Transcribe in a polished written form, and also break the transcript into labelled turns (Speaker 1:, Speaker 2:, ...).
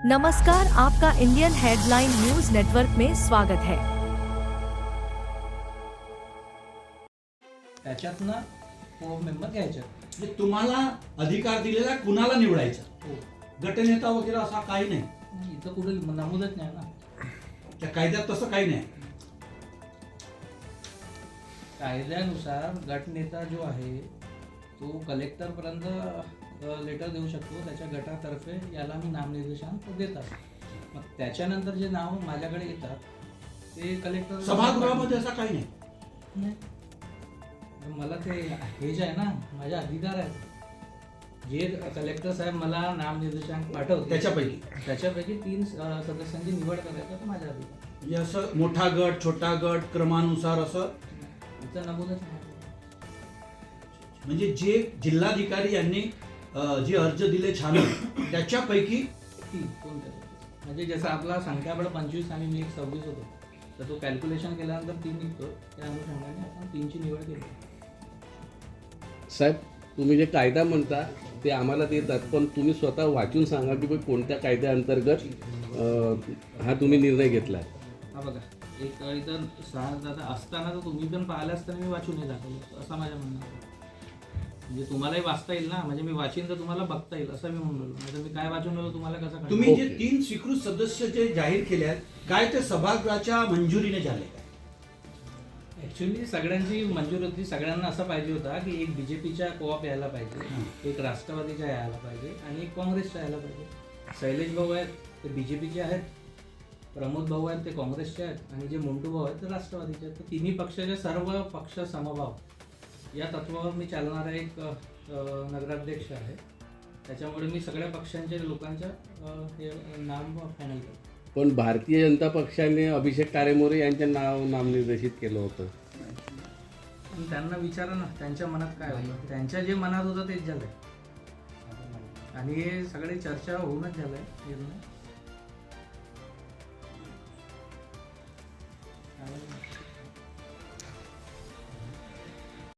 Speaker 1: नमस्कार, आपका Indian headline news network में स्वागत है।
Speaker 2: त्याच्यातनं को मेंबर घ्यायचे
Speaker 3: म्हणजे तुम्हाला अधिकार दिलेला कुणाला निवडायचा, गटनेता वगैरे असा काही नाही.
Speaker 2: इथं कुठे नमूदच नाही ना.
Speaker 3: त्या कायद्यात तसं काही नाही.
Speaker 2: कायद्यानुसार गटनेता जो आहे तो कलेक्टर पर्यंत लेटर देऊ शकतो, त्याच्या गटातर्फे याला मी नामनिर्देशन देतात. मग त्याच्यानंतर जे नाव माझ्याकडे येतात ते कलेक्टर
Speaker 3: सभागृहामध्ये असा काही नाही.
Speaker 2: मला ते हे जे आहे ना, माझे अधिकार आहेत. जे कलेक्टर साहेब मला नामनिर्देशन पाठवते त्याच्यापैकी 3 सदस्यांची निवड करायचं तर माझ्या अधिकार.
Speaker 3: म्हणजे असं मोठा गट, छोटा गट, क्रमानुसार असं
Speaker 2: इथं नमूदच नाही.
Speaker 3: म्हणजे जे जिल्हाधिकारी यांनी जे अर्ज दिले छान त्याच्यापैकी
Speaker 2: 3 कोणत्या, म्हणजे जसं आपला संख्याबळ 25 आणि मी 26 होतो, तर तो कॅल्क्युलेशन केल्यानंतर 3 निघतो. त्या अनुषंगाने आपण 3ची निवड केली.
Speaker 4: साहेब, तुम्ही जे कायदा म्हणता ते आम्हाला देतात, पण तुम्ही स्वतः वाचून सांगा की कोणत्या कायद्याअंतर्गत हा तुम्ही निर्णय घेतला.
Speaker 2: हा बघा, एक इथं 6 दादा असताना तर तुम्ही पण पाहिलं असताना मी वाचून हे दाखवलं, असं माझ्या म्हणणं आहे. म्हणजे तुम्हालाही वाचता येईल ना, म्हणजे मी वाचीन तर तुम्हाला बघता येईल असं मी म्हणलो. म्हणजे मी काय वाचून राहिलो तुम्हाला कसं कळणार?
Speaker 3: तुम्ही जे 3 स्वीकृत सदस्य जे जाहीर केले आहेत, काय ते सभागृहाच्या मंजुरीने झाले काय?
Speaker 2: ॲक्च्युली सगळ्यांची मंजूर होती. सगळ्यांना असं पाहिजे होता की एक बीजेपीच्या कोऑप यायला पाहिजे, एक राष्ट्रवादीच्या यायला पाहिजे आणि एक काँग्रेसच्या यायला पाहिजे. शैलेश भाऊ आहेत ते बीजेपीचे आहेत, प्रमोद भाऊ आहेत ते काँग्रेसचे आहेत आणि जे मुंटू भाऊ आहेत ते राष्ट्रवादीचे आहेत. तर तिन्ही पक्षाचे सर्व पक्ष समभाव या तत्वावर मी चालणारा एक नगराध्यक्ष आहे. त्याच्यामुळे मी सगळ्या पक्षांच्या लोकांच्या हे नाम फायनल केलं.
Speaker 4: पण भारतीय जनता पक्षाने अभिषेक कारेमोरे यांचे नाव नामनिर्देशित केलं होतं.
Speaker 2: पण त्यांना विचारा ना त्यांच्या मनात काय होतं. त्यांच्या जे मनात होतं तेच झालंय आणि हे सगळे चर्चा होऊनच झालंय निर्णय.